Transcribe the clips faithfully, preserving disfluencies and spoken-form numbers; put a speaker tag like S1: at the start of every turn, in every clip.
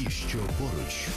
S1: Ті, що поруч.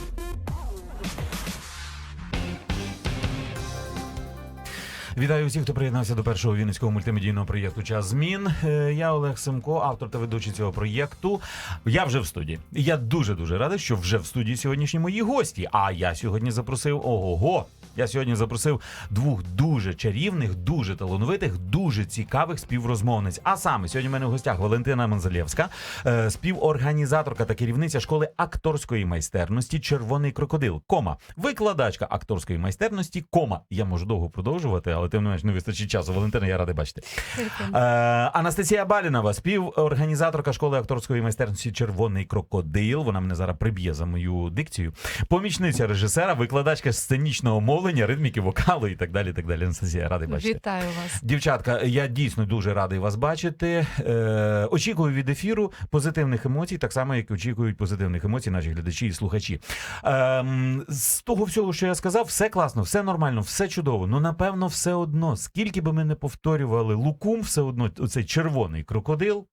S2: Вітаю всіх, хто приєднався до першого вінницького мультимедійного проєкту «Час змін». Я Олег Семко, автор та ведучий цього проєкту. Я вже в студії. Я дуже-дуже радий, що вже в студії сьогоднішні мої гості. А я сьогодні запросив, ого-го, я сьогодні запросив двох дуже чарівних, дуже талановитих, дуже цікавих співрозмовниць. А саме, сьогодні в мене в гостях Валентина Манзалєвська, співорганізаторка та керівниця школи акторської майстерності «Червоний крокодил», кома, викладачка акторської майстерності, кома. Я можу довго продовжувати, але тим не менш не вистачить часу. Валентина, я радий бачити. Е, Анастасія Балінова, співорганізаторка школи акторської майстерності «Червоний крокодил». Вона мене зараз приб'є за мою дикцію. Помічниця режисера, викладачка сценічного мовлення, ритміки, вокалу і так далі. І так далі. Анастасія, радий бачити.
S3: Вітаю вас.
S2: Дівчатка, я дійсно дуже радий вас бачити. Е, очікую від ефіру позитивних емоцій, так само, як очікують позитивних емоцій наші глядачі і слухачі. Е, з того всього, що я сказав, все класно, все нормально, все чудово. Ну, напевно, все одно, скільки би ми не повторювали лукум, все одно оцей червоний крокодил,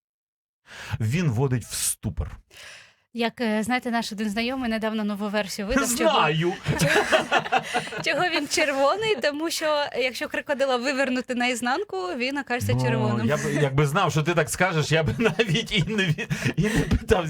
S2: він вводить в ступор.
S3: Як, знаєте, наш один знайомий недавно нову версію видав.
S2: Знаю!
S3: Чого, чого він червоний, тому що якщо крокодила вивернути наізнанку, він окажеться
S2: Ну,
S3: червоним.
S2: я б, якби знав, що ти так скажеш, я б навіть і не, і не питав.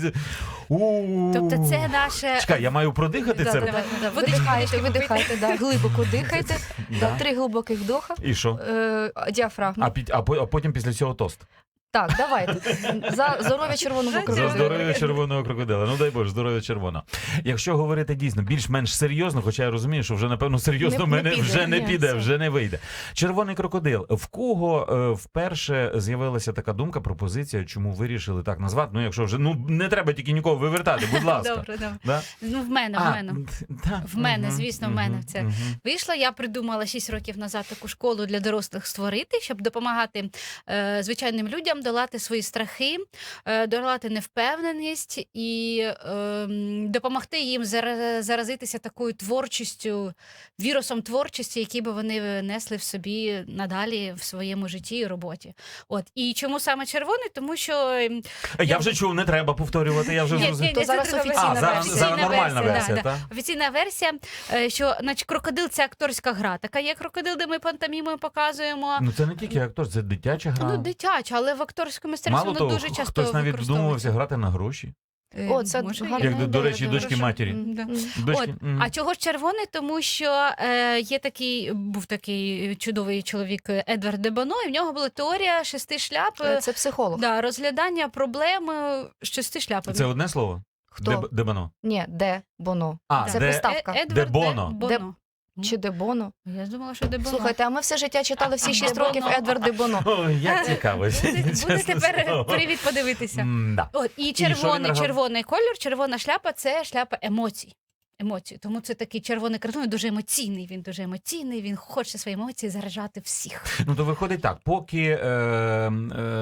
S2: У-у-у.
S3: Тобто це наше...
S2: Чекай, я маю продихати
S4: Да,
S2: це?
S4: давай, да,
S3: Водички
S4: видихайте, видихайте, да, глибоко дихайте,
S2: Да.
S4: да, три глибоких вдоха,
S2: І що?
S4: е, діафрагма.
S2: А, під, а, по- а потім після цього тост.
S4: Так, давайте. За здоров'я червоного
S3: За
S2: За
S4: крокодила.
S2: здоров'я червоного крокодила. Ну дай Боже, здоров'я червоного. Якщо говорити дійсно більш-менш серйозно, хоча я розумію, що вже напевно серйозно
S4: Не-
S2: в
S4: не
S2: мене
S4: піде,
S2: вже не
S4: ні,
S2: піде,
S4: все.
S2: вже не вийде. Червоний крокодил. В кого е, вперше з'явилася така думка, пропозиція, чому вирішили так назвати? Ну, якщо вже ну не треба тільки нікого вивертати, будь ласка.
S3: Добре, добре.
S2: Да?
S3: Ну, в мене, в
S2: А,
S3: мене.
S2: та,
S3: В мене,
S2: мгм,
S3: звісно, в
S2: мгм,
S3: мене це.
S2: мгм.
S3: Вийшла, я придумала шість років назад таку школу для дорослих створити, щоб допомагати е, звичайним людям долати свої страхи, е, долати невпевненість і е, м, допомогти їм зара- заразитися такою творчістю, вірусом творчості, який би вони несли в собі надалі в своєму житті і роботі. От. І чому саме червоний? Тому що... ем,
S2: Я вже чув, не треба повторювати, я вже
S3: Ні,
S2: зрозумів.
S3: ні,
S4: То
S3: ні,
S4: зараз
S3: це друга
S4: офіційна
S2: А,
S3: версія.
S2: зараз,
S4: версія.
S2: зараз нормальна
S3: версія,
S2: версія,
S3: да,
S2: так?
S3: да. Офіційна версія, е, що значить, крокодил – це акторська гра. Така є крокодил, де ми пантомімою показуємо.
S2: Ну це не тільки актор, це дитяча гра.
S3: Ну, дитяча, але в акторському мистецтві
S2: Мало
S3: воно
S2: того,
S3: дуже часто
S2: хтось навіть
S3: використовується.
S2: вдумувався грати на гроші.
S3: Е,
S4: О, це
S3: може,
S4: гарна
S3: є.
S2: Як, до, до
S4: ідея,
S2: речі,
S4: дуже.
S2: дочки матері.
S3: М, да.
S4: М.
S2: Дочки,
S3: От.
S2: м.
S3: А чого ж червоний? Тому що е, є такий, був такий чудовий чоловік Едвард де Боно, і в нього була теорія шести шляп,
S4: Е, Це психолог.
S3: да, розглядання проблем е, з шести шляпами.
S2: Це одне слово?
S4: Хто?
S2: Де, Дебано.
S4: Ні, де Боно.
S2: А,
S4: Це
S2: де-
S4: приставка.
S3: Е- Едвард
S2: Де Боно.
S3: Боно.
S4: Чи де Боно?
S3: Я думала, що де Боно.
S4: Слухайте, а ми все життя читали всі шість
S3: Де
S4: років
S3: Боно.
S4: Едвард де Боно.
S2: Ой, як цікаво.
S3: Буде, буде
S2: чесне
S3: тепер
S2: слово.
S3: привід подивитися.
S2: М-да.
S3: От, і
S2: що він
S3: червоний,
S2: регал-
S3: червоний кольор, червона шляпа – це шляпа емоцій. Емоцій. Тому це такий червоний картон, він дуже емоційний, він дуже емоційний, він хоче свої емоції заражати всіх.
S2: Ну, то виходить так, поки е, е,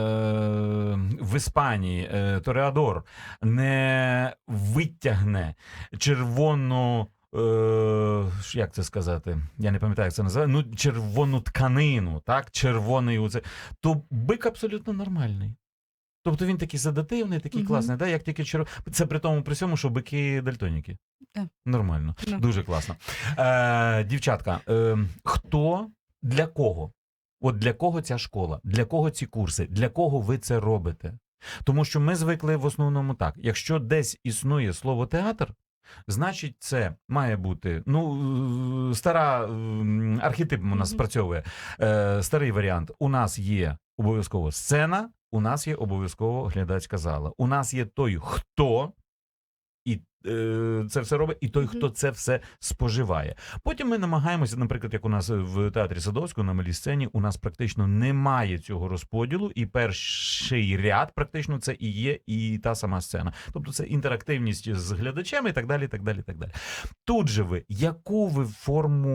S2: в Іспанії е, Тореадор не витягне червону, е, як це сказати, я не пам'ятаю, як це називає, ну, червону тканину, так, червоний оце, то бик абсолютно нормальний. Тобто він такий задативний, такий
S3: Мгм.
S2: класний, да? Як тільки черв... Це при тому, при цьому, що бики дальтоніки.
S3: Так.
S2: Нормально,
S3: Ну.
S2: дуже класно. Е, дівчатка, е, хто, для кого? От для кого ця школа? Для кого ці курси? Для кого ви це робите? Тому що ми звикли в основному так. Якщо десь існує слово театр, значить це має бути, ну, е, стара, е, архетип у нас
S3: Мгм.
S2: спрацьовує, е, старий варіант. У нас є обов'язково сцена, у нас є обов'язково глядацька зала. У нас є той, хто і е, це все робить, і той,
S3: Мгм.
S2: хто це все споживає. Потім ми намагаємося, наприклад, як у нас в театрі Садовського на малій сцені, у нас практично немає цього розподілу, і перший ряд практично це і є і та сама сцена. Тобто це інтерактивність з глядачами і так далі, і так далі, і так далі. Тут же ви, яку ви форму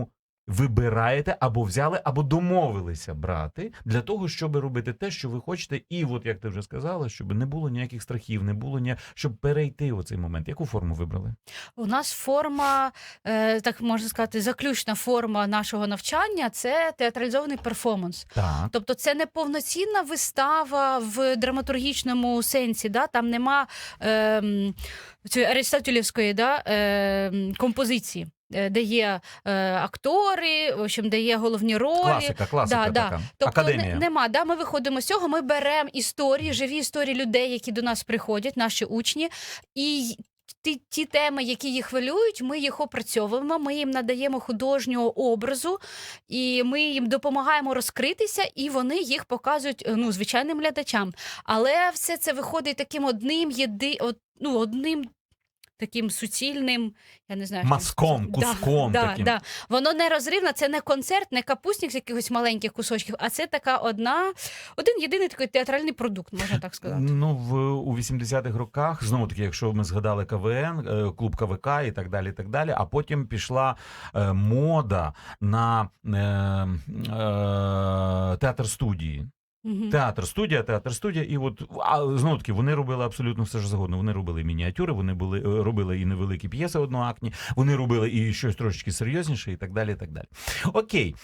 S2: вибираєте або взяли, або домовилися брати для того, щоб робити те, що ви хочете. І от, як ти вже сказала, щоб не було ніяких страхів, не було ні... щоб перейти у цей момент. Яку форму вибрали?
S3: У нас форма, е, так можна сказати, заключна форма нашого навчання – це театралізований перформанс.
S2: Так.
S3: Тобто це не повноцінна вистава в драматургічному сенсі, да? Там нема е, цієї аристотелівської да, е, композиції, е, де є е, актори, в общем, де є головні ролі.
S2: Класика, класика
S3: Да, да.
S2: така.
S3: Тобто
S2: Академія.
S3: Не, нема, да, ми виходимо з цього, ми беремо історії, живі історії людей, які до нас приходять, наші учні, і ті, ті теми, які їх хвилюють, ми їх опрацьовуємо, ми їм надаємо художнього образу, і ми їм допомагаємо розкритися, і вони їх показують ну, звичайним глядачам. Але все це виходить таким одним, єди, од, ну, одним таким суцільним, я не знаю,
S2: Мазком,
S3: що це.
S2: куском
S3: да,
S2: таким.
S3: Да, да. Воно не розривне, це не концерт, не капустник з якихось маленьких кусочків, а це така одна, один єдиний такий театральний продукт, можна так сказати.
S2: Ну, в, у вісімдесятих роках, знову таки, якщо ми згадали КВН, е, клуб КВК і так далі, і так далі, а потім пішла е, мода на е, е, театр-студії.
S3: Мгм.
S2: Театр, студія, театр, студія, і от а знову таки вони робили абсолютно все ж завгодно. Вони робили мініатюри, вони були е, робили і невеликі п'єси одноактні, вони робили і щось трошечки серйозніше, і так далі. І так далі. Окей,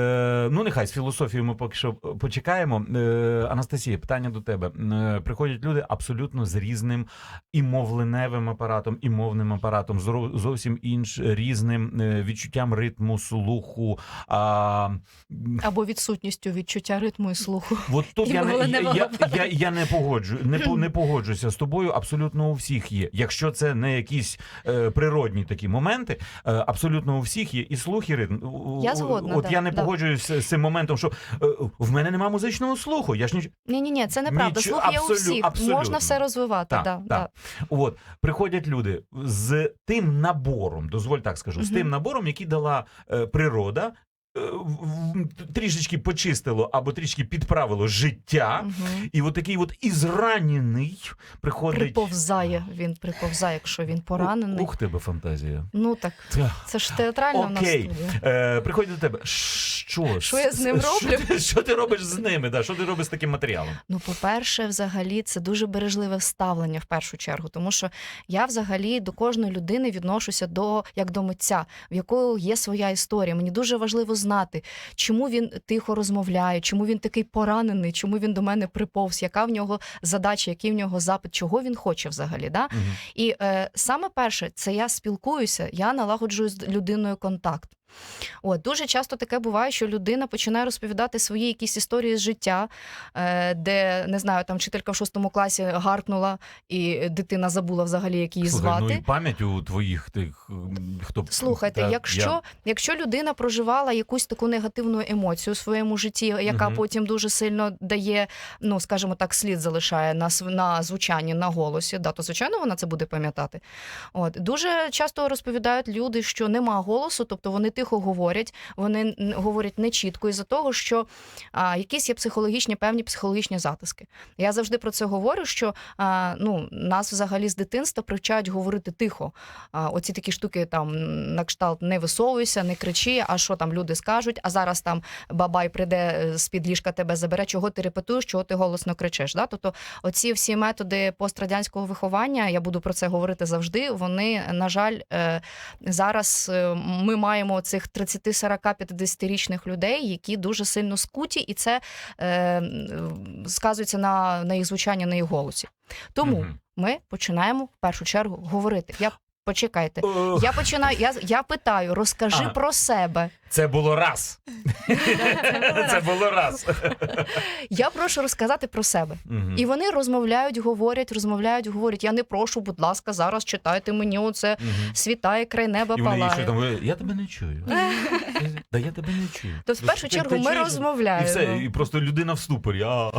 S2: е, ну нехай з філософією ми поки що почекаємо. Е, Анастасія, питання до тебе. Е, приходять люди абсолютно з різним і мовленевим апаратом, і мовним апаратом, зро- зовсім інш різним е, відчуттям ритму, слуху. А,
S4: Або відсутністю відчуття ритму і слуху.
S2: От тут
S3: І
S2: я не, я,
S3: мовленевого
S2: я,
S3: апарату.
S2: я, я не погоджу, не, по- не погоджуся з тобою. Абсолютно у всіх є. Якщо це не якісь е, природні такі моменти, е, абсолютно у всіх є і слух, і ритм. У-
S4: Я
S2: у-
S4: згодна,
S2: От
S4: да,
S2: я не
S4: да.
S2: погоджуюся з цим моментом, що е, в мене нема музичного слуху. Я ж ніч...
S4: Ні, ні, ні, це неправда.
S2: Нічого,
S4: Слух є у
S2: абсолю-
S4: всіх.
S2: абсолютно.
S4: Можна все розвивати.
S2: Так,
S4: да,
S2: так.
S4: да.
S2: От приходять люди з тим набором, дозволь так скажу, з
S4: Мгм.
S2: тим набором, який дала е, природа. е, в- в- Трішечки почистило або трішки підправило життя,
S4: Мгм.
S2: і от такий от ізранений приходить.
S4: Приповзає, він приповзає, якщо він поранений.
S2: Ух, тебе фантазія.
S4: Ну так, це ж театральна в нас
S2: Окей.
S4: студія.
S2: Е, приходять до тебе. Що?
S4: Що я з ним
S2: Що
S4: роблю?
S2: ти, що ти робиш з ними? Да? Що ти робиш з таким матеріалом?
S4: Ну, по-перше, взагалі, це дуже бережливе ставлення в першу чергу, тому що я взагалі до кожної людини відношуся до як до митця, в якого є своя історія. Мені дуже важливо знати, чому він тихо розмовляє, чому він такий поранений, чому він до мене приповз, яка в нього задача, який в нього запит, чого він хоче взагалі. Да?
S2: Мгм.
S4: І е, саме перше, це я спілкуюся, я налагоджую з людиною контакт. От, дуже часто таке буває, що людина починає розповідати свої якісь історії з життя, е, де, не знаю, там вчителька в шостому класі гаркнула, і дитина забула взагалі, як її
S2: Слухай,
S4: звати.
S2: ну і пам'ять у твоїх тих, м, хто...
S4: Слухайте,
S2: Та,
S4: якщо,
S2: я-
S4: якщо людина проживала якусь таку негативну емоцію у своєму житті, яка
S2: Мгм.
S4: потім дуже сильно дає, ну, скажімо так, слід залишає на, св- на звучанні, на голосі, да, то, звичайно, вона це буде пам'ятати. От. Дуже часто розповідають люди, що нема голосу, тобто вони тихо говорять, вони н- говорять нечітко із-за того, що а, якісь є психологічні, певні психологічні затиски. Я завжди про це говорю, що а, ну, нас взагалі з дитинства привчають говорити тихо. А, оці такі штуки там на кшталт не висовуйся, не кричи, а що там люди скажуть, а зараз там бабай прийде з-під ліжка тебе забере, чого ти репетуєш, чого ти голосно кричиш. Да? Тобто оці всі методи пострадянського виховання, я буду про це говорити завжди, вони, на жаль, е, зараз е, ми маємо цих тридцять, сорок, п'ятдесятирічних людей, які дуже сильно скуті, і це е, сказується на, на їх звучанні, на їх голосі. Тому
S2: Мгм.
S4: ми починаємо в першу чергу говорити. Я почекайте.
S2: Ох,
S4: Я починаю, я, я питаю, розкажи
S2: Ага.
S4: про себе.
S2: Це було раз. Це було раз.
S4: Я прошу розказати про себе.
S2: Мгм.
S4: І вони розмовляють, говорять, розмовляють, говорять. Я не прошу, будь ласка, зараз читайте мені оце
S2: Мгм.
S4: світає, край неба
S2: І вони їй
S4: палає.
S2: що там, я тебе не чую. Да я тебе не чую.
S4: То в першу
S2: Ти-
S4: чергу
S2: ти
S4: ми
S2: чуєш?
S4: розмовляємо.
S2: І все, і просто людина в ступорі. А.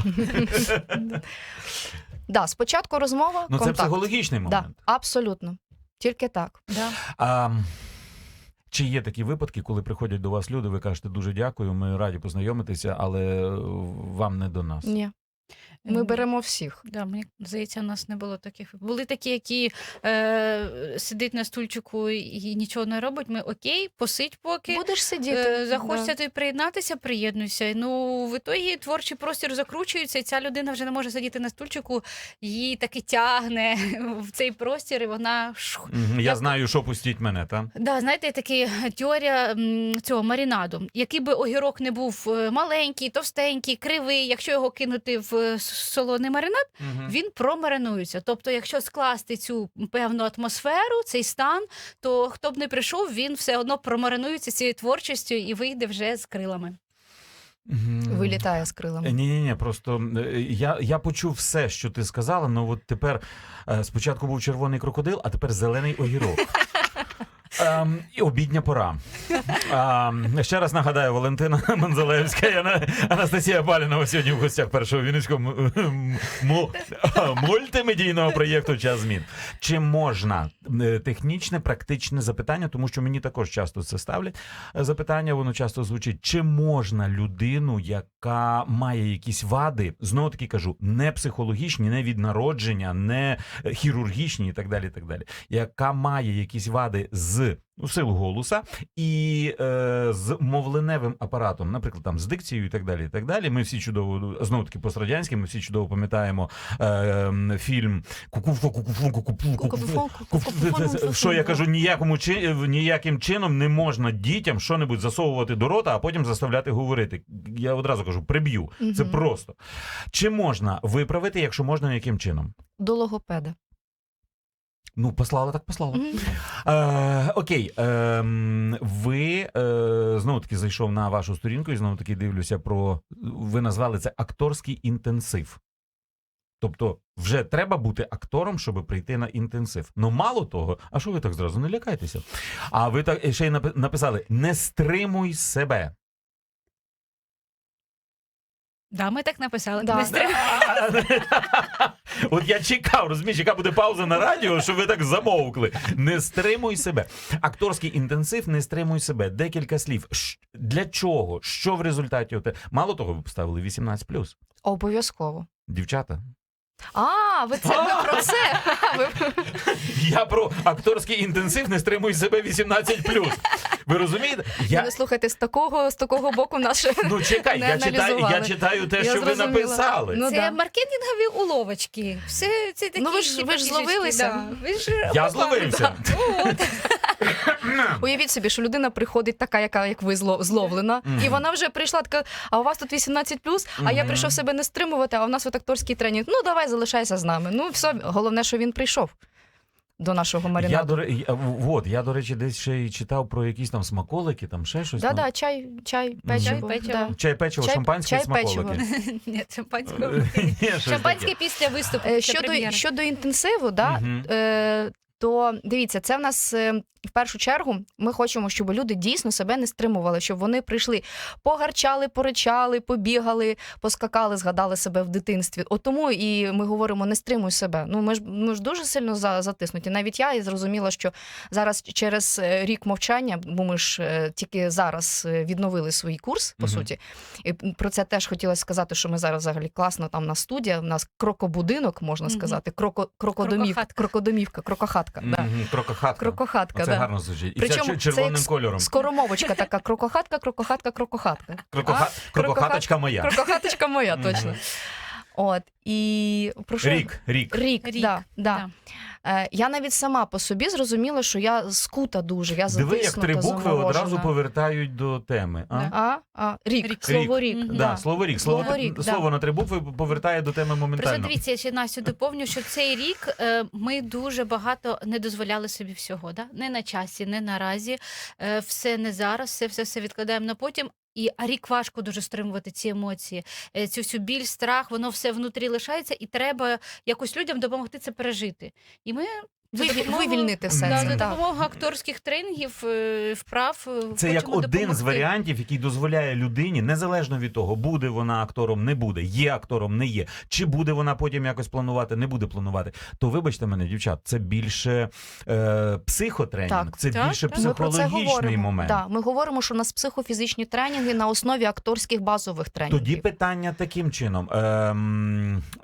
S4: Да, спочатку розмова,
S2: Ну це
S4: контакт.
S2: психологічний
S4: Да,
S2: момент.
S4: абсолютно. Тільки так. Да.
S2: А, чи є такі випадки, коли приходять до вас люди, ви кажете дуже дякую, ми раді познайомитися, але вам не до нас?
S4: Ні. Ми
S3: Ем,
S4: беремо всіх.
S3: Да, мені здається, у нас не було таких. Були такі, які е, сидить на стульчику і нічого не робить. Ми окей, посидь поки.
S4: Будеш сидіти.
S3: Е, захочеться
S4: да.
S3: тобі приєднатися, приєднуйся. Ну, в ітогі творчий простір закручується, і ця людина вже не може сидіти на стульчику, її таки тягне в цей простір, і вона шух.
S2: Мгм. Я
S3: Я-
S2: знаю, що пустіть мене, так?
S3: Да, знаєте, така теорія м, цього марінаду. Який би огірок не був е, маленький, товстенький, кривий, якщо його кинути в е, с- солоний маринад, він промаринується. Тобто, якщо скласти цю певну атмосферу, цей стан, то хто б не прийшов, він все одно промаринується цією творчістю і вийде вже з крилами.
S4: Вилітає з крилами.
S2: Ні, ні, ні, просто е, я, я почув все, що ти сказала, але от тепер е, спочатку був червоний крокодил, а тепер зелений огірок. Ем, і обідня пора. Ем, ще раз нагадаю, Валентина Манзалевська і Ана- Анастасія Балінова сьогодні в гостях першого вінницького м- м- му- мультимедійного проєкту «Час змін». Чи можна е, технічне, практичне запитання, тому що мені також часто це ставлять е, запитання, воно часто звучить, чи можна людину, яка має якісь вади, знову таки кажу, не психологічні, не від народження, не е, хірургічні і так далі, і так далі, яка має якісь вади з у силу голоса і е, з мовленевим апаратом, наприклад, там з дикцією і так далі. І так далі. Ми всі чудово, знову таки пострадянські, ми всі чудово пам'ятаємо е, фільм «Кукуфу, кукуфу, кукупу, кукуфу». Що я кажу, ніякому чи ніяким чином не можна дітям що-небудь засовувати до рота, а потім заставляти говорити. Я одразу кажу, приб'ю. Це
S4: Мгм.
S2: просто. Чи можна виправити, якщо можна, яким чином?
S4: До логопеда.
S2: Ну, послала, так послала.
S4: Мгм.
S2: Е, окей, е, ви е, знову таки зайшов на вашу сторінку і знову таки дивлюся про. Ви назвали це акторський інтенсив. Тобто, вже треба бути актором, щоб прийти на інтенсив. Ну, мало того, а що ви так зразу не лякайтеся? А ви так ще й напи- написали: не стримуй себе.
S3: Да, ми так написали.
S4: Да.
S3: Не стримуй.
S2: От я чекав, розумієш, яка буде пауза на радіо, що ви так замовкли. Не стримуй себе. Акторський інтенсив, не стримуй себе. Декілька слів. Ш- Для чого? Що в результаті? оте- Мало того, ви поставили вісімнадцять плюс.
S4: Обов'язково.
S2: Дівчата.
S4: А, ви це ви про це. Ви...
S2: Я про акторський інтенсив, не стримуй себе вісімнадцять плюс. Ви розумієте?
S4: Я...
S2: Я...
S4: Не слухайте, з такого, з такого боку наше.
S2: Ну чекай,
S4: не
S2: я читаю, я
S4: аналізували.
S2: читаю те,
S4: Я
S2: що ви
S4: зрозуміла.
S2: написали.
S4: Ну,
S3: Це
S4: да.
S3: маркетингові уловочки. Все це такі.
S4: Ну, ви ж- ви ж
S3: фішечки,
S4: зловилися.
S3: да. Ви ж
S2: Я
S3: попали.
S2: зловився.
S3: От.
S4: Уявіть собі, що людина приходить така, яка як ви зло- зловлена,
S2: Мгм.
S4: і вона вже прийшла така, а у вас тут вісімнадцять плюс, а я
S2: Мгм.
S4: прийшов себе не стримувати, а у нас от акторський тренінг. Ну, давай, залишайся з нами. Ну, все, головне, що він прийшов до нашого
S2: Я,
S4: маринаду.
S2: до, ре- я, вот, я, до речі, десь ще й читав про якісь там смаколики, там ще щось. там.
S4: Да-да, чай, чай, печиво.
S3: печиво.
S4: Да.
S2: Чай, печиво,
S4: Чай-
S2: шампанське,
S4: чай,
S2: смаколики.
S3: Ні, шампанського.
S2: Ні, щось
S3: Шампанське
S2: таке.
S3: після виступу.
S4: Е,
S3: після
S4: Щодо,
S3: прем'єри.
S4: щодо інтенсиву, да,
S2: Мгм.
S4: е, то дивіться, це в нас е, в першу чергу ми хочемо, щоб люди дійсно себе не стримували, щоб вони прийшли, погарчали, поричали, побігали, поскакали, згадали себе в дитинстві. От тому і ми говоримо, не стримуй себе. Ну ми ж ми ж дуже сильно за, затиснуті. Навіть я і зрозуміла, що зараз через е, рік мовчання, бо ми ж е, тільки зараз е, відновили свій курс, по
S2: Мгм.
S4: суті. І про це теж хотілося сказати, що ми зараз взагалі класно там на студія, у нас крокобудинок, можна
S3: Мгм.
S4: сказати, кроко, крокодомівка,
S3: Крокохатка.
S4: крокодомівка, крокохатка. Да.
S2: Мгм, Крокохатка.
S4: Крокохатка,
S2: Це
S4: да.
S2: гарно звучить. І
S4: Причому
S2: це
S4: це
S2: червоним
S4: як
S2: кольором.
S4: Скоромовочка така, крокохатка, крокохатка, крокохатка.
S2: Крокоха...
S4: А?
S2: Крокохаточка моя.
S4: Крокохаточка моя,
S2: Мгм.
S4: точно. От, і про що?
S2: Рік, рік.
S4: Рік,
S3: Рік,
S4: да, да.
S3: да.
S4: Е, я навіть сама по собі зрозуміла, що я скута дуже, я
S2: Диви, як
S4: затиснута,
S2: три букви одразу
S4: заморожена.
S2: повертають до теми. А?
S3: Да.
S4: А? А? Рік,
S3: Рік.
S4: слово рік.
S3: Мгм.
S2: Да,
S4: Да.
S2: слово рік. Слово,
S4: Слово рік, да.
S2: слово на три букви повертає до теми
S3: Просто
S2: моментально.
S3: дивіться, я ще Настю доповню, що цей рік е, ми дуже багато не дозволяли собі всього. Да? Не на часі, не наразі. Е, все не зараз, все, все, все відкладаємо на потім. І а рік важко дуже стримувати ці емоції, е, цю всю біль, страх, воно все внутрі лишається, і треба якось людям допомогти це пережити. І ми За
S4: Виві-
S3: допомогою-
S4: Вивільнити все
S3: Да,
S4: це.
S3: за
S4: Так.
S3: допомогою акторських тренінгів, е, вправ. е,
S2: Це як
S3: хочемо
S2: один з
S3: допомогти.
S2: варіантів, який дозволяє людині, незалежно від того, буде вона актором, не буде, є актором, не є, чи буде вона потім якось планувати, не буде планувати. То вибачте мене, дівчат, це більше е, психотренінг,
S4: Так.
S2: це
S3: Так,
S2: більше
S3: так.
S4: Ми про це
S2: психологічний
S4: говоримо.
S2: момент.
S4: Да, ми говоримо, що у нас психофізичні тренінги на основі акторських базових тренінгів.
S2: Тоді питання таким чином. Ем, е,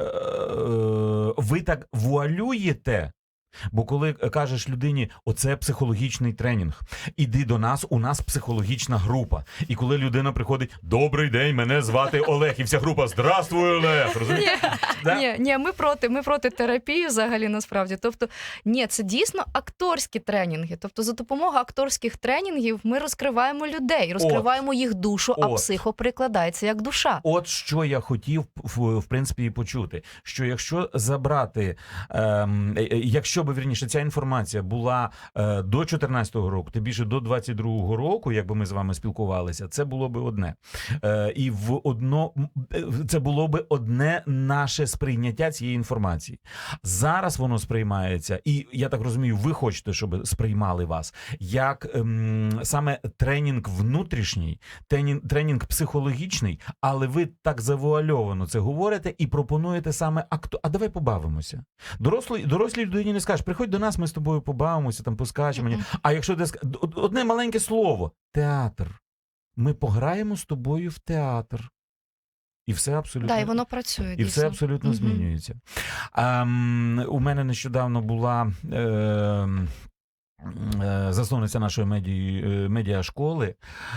S2: ви так вуалюєте. Бо коли кажеш людині, оце психологічний тренінг, іди до нас, у нас психологічна група. І коли людина приходить, добрий день, мене звати Олег, і вся група, здравствуй, Олег, розумієш? Да?
S4: Ні, ні, ми проти, ми проти терапії взагалі насправді. Тобто, ні, це дійсно акторські тренінги. Тобто, за допомогою акторських тренінгів ми розкриваємо людей, розкриваємо їх душу, а
S2: От.
S4: психо прикладається як душа.
S2: От що я хотів, в, в принципі, і почути, що якщо забрати, ем, е, е, якщо би, вірніше, ця інформація була е, до чотирнадцятого року, тим більше до двадцять другого року, якби ми з вами спілкувалися, це було би одне. Е, і в одно, м, е, це було би одне наше сприйняття цієї інформації. Зараз воно сприймається, і я так розумію, ви хочете, щоб сприймали вас, як ем, саме тренінг внутрішній, тренінг, тренінг психологічний, але ви так завуальовано це говорите і пропонуєте саме акту. А давай побавимося. Дорослій, дорослій людині не скажеш, приходь до нас, ми з тобою побавимося, там поскачемо.
S4: Мгм.
S2: А якщо ти ск- од- одне маленьке слово – театр. Ми пограємо з тобою в театр. І все абсолютно.
S4: Да, і воно працює.
S2: І
S4: дійсно.
S2: все абсолютно
S4: Мгм.
S2: змінюється. Ем, у мене нещодавно була ем, е, засновниця нашої медії, е, медіашколи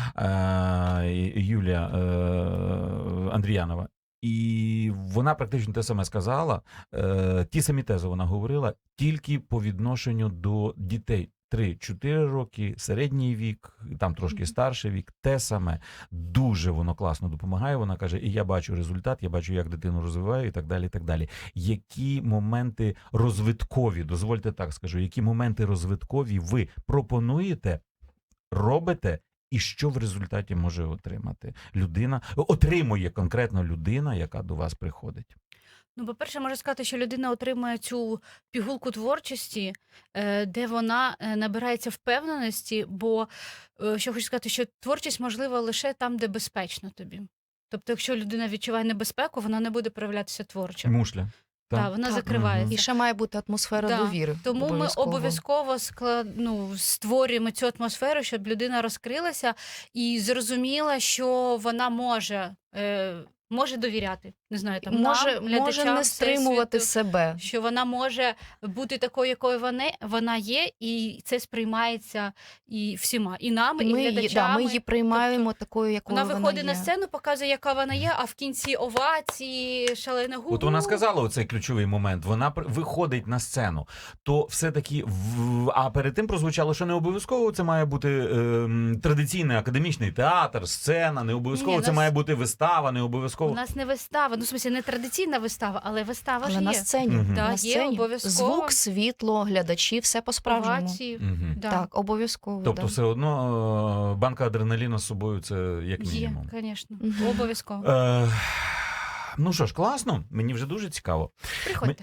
S2: е, Юлія е, Андріянова. І вона практично те саме сказала, е, ті самі тези вона говорила, тільки по відношенню до дітей. три-чотири роки, середній вік, там трошки
S3: Мгм.
S2: старший вік, те саме. Дуже воно класно допомагає. Вона каже, і я бачу результат, я бачу, як дитину розвиваю, і так далі, і так далі. Які моменти розвиткові, дозвольте так скажу, які моменти розвиткові ви пропонуєте, робите, і що в результаті може отримати людина, отримує конкретно людина, яка до вас приходить?
S3: Ну, по-перше, можу сказати, що людина отримує цю пігулку творчості, е, де вона е, набирається впевненості, бо е, що хочу сказати, що творчість можлива лише там, де безпечно тобі. Тобто, якщо людина відчуває небезпеку, вона не буде проявлятися творчо.
S2: Мушля.
S3: Так,
S2: Так.
S3: вона
S4: Так.
S3: закривається.
S4: І ще має бути атмосфера
S3: Да.
S4: довіри.
S3: Тому ми обов'язково склад... ну, створюємо цю атмосферу, щоб людина розкрилася і зрозуміла, що вона може, е, може довіряти. Не знаю, там
S4: може,
S3: нам,
S4: може
S3: глядачам
S4: не стримувати
S3: Всесвіту,
S4: себе.
S3: що вона може бути такою, якою вона, вона є, і це сприймається і всіма, і нами, і
S4: Ми її,
S3: глядачами.
S4: да, ми її приймаємо такою, якою
S3: Вона
S4: вона
S3: виходить
S4: є.
S3: на сцену, показує, яка вона є, а в кінці овації, шалена гу.
S2: От вона сказала оцей ключовий момент. Вона пр- виходить на сцену. То все-таки, в... а перед тим прозвучало, що не обов'язково це має бути ем, традиційний академічний театр, сцена, не обов'язково
S3: Ні,
S2: це
S3: нас-
S2: має бути вистава, не обов'язково.
S3: У нас не вистава, ну, в смысле, не традиційна вистава, але вистава
S4: Але
S3: ж
S4: на
S3: є.
S4: сцені.
S2: Мгм.
S3: Да,
S4: на
S3: є
S4: сцені.
S3: обов'язково.
S4: Звук, світло, глядачі, все по-справжньому.
S3: Овації.
S2: Мгм.
S3: Да.
S4: Так, обов'язково.
S2: Тобто
S4: да.
S2: все одно е, банка адреналіну з собою це як
S3: Є,
S2: мінімум.
S3: звісно,
S4: Мгм.
S3: обов'язково.
S2: Е, ну що ж, класно, мені вже дуже цікаво.
S3: Приходьте.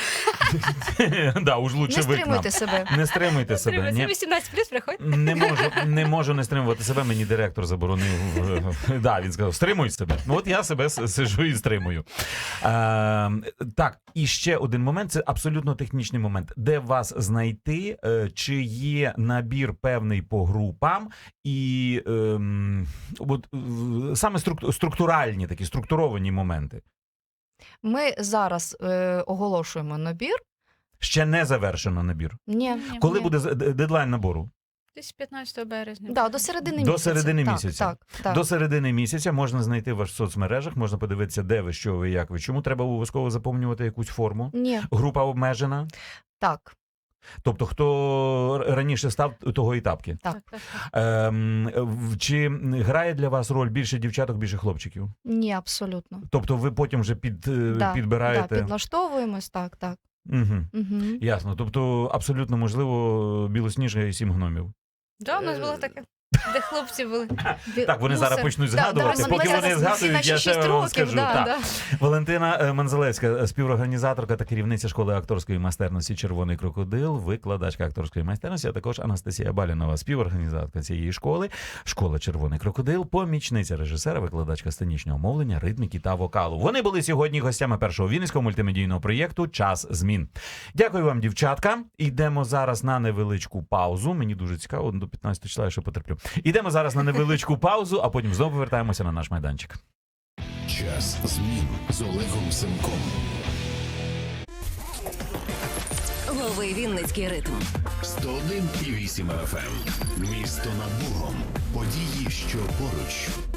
S2: Да, уж лучше
S4: Не
S2: ви к нам.
S4: стримуйте себе.
S2: Не стримуйте себе.
S3: Треба,
S2: Ні.
S3: це вісімнадцять плюс, приходьте.
S2: Не можу, не можу не стримувати себе, мені директор заборонив. е, Да, він сказав, стримуй себе. Ну от я себе с- сижу і стримую. Е, так, і ще один момент, це абсолютно технічний момент. Де вас знайти, е, чи є набір певний по групам, і ем, от, е, саме струк- структуральні такі, структуровані моменти.
S4: Ми зараз е, оголошуємо набір.
S2: Ще не завершено набір.
S4: Ні.
S3: Ні,
S2: Коли
S4: ні.
S2: буде з- д- дедлайн набору?
S3: Десь п'ятнадцятого березня.
S4: Да, до середини
S2: До
S4: місяця.
S2: середини
S4: так,
S2: місяця.
S4: Так, так.
S2: До середини місяця можна знайти вас в соцмережах, можна подивитися, де ви, що ви, як ви. Чому треба обов'язково заповнювати якусь форму?
S4: Ні,
S2: Група обмежена.
S4: так,
S2: Тобто, хто раніше став, того і тапки.
S3: Так, так, так.
S2: Ем, в- чи грає для вас роль більше дівчаток, більше хлопчиків?
S4: ні, абсолютно.
S2: Тобто ви потім вже під, е,
S4: Да,
S2: підбираєте?
S4: Да, підлаштовуємось, так, так.
S2: Угу.
S4: Угу.
S2: Ясно. Тобто абсолютно можливо Білосніжка і сім гномів.
S3: Да, у нас
S2: Е,
S3: було таке. де хлопці були.
S2: Так, вони зараз почнуть згадувати.
S4: да,
S2: Поки
S4: ми
S2: вони
S4: зараз всі
S2: згадують,
S4: наші
S2: я ще
S4: шість
S2: вам
S4: років,
S2: скажу.
S4: да,
S2: Так.
S4: да.
S2: Валентина е, Манзелевська, співорганізаторка та керівниця школи акторської майстерності «Червоний крокодил», викладачка акторської майстерності, а також Анастасія Балінова, співорганізаторка цієї школи, школа «Червоний крокодил», помічниця режисера, викладачка сценічного мовлення, ритміки та вокалу. Вони були сьогодні гостями першого вінницького мультимедійного проєкту «Час змін». Дякую вам, дівчатка. Йдемо зараз на невеличку паузу. Мені дуже цікаво, до п'ятнадцятого числа я ще потерплю. Йдемо зараз на невеличку паузу, а потім знову повертаємося на наш майданчик.
S1: Час змін з Олегом Семком.
S5: Лови Вінницький ритм.
S1: сто один і вісім еф ем. Місто над Богом. Події, що поруч.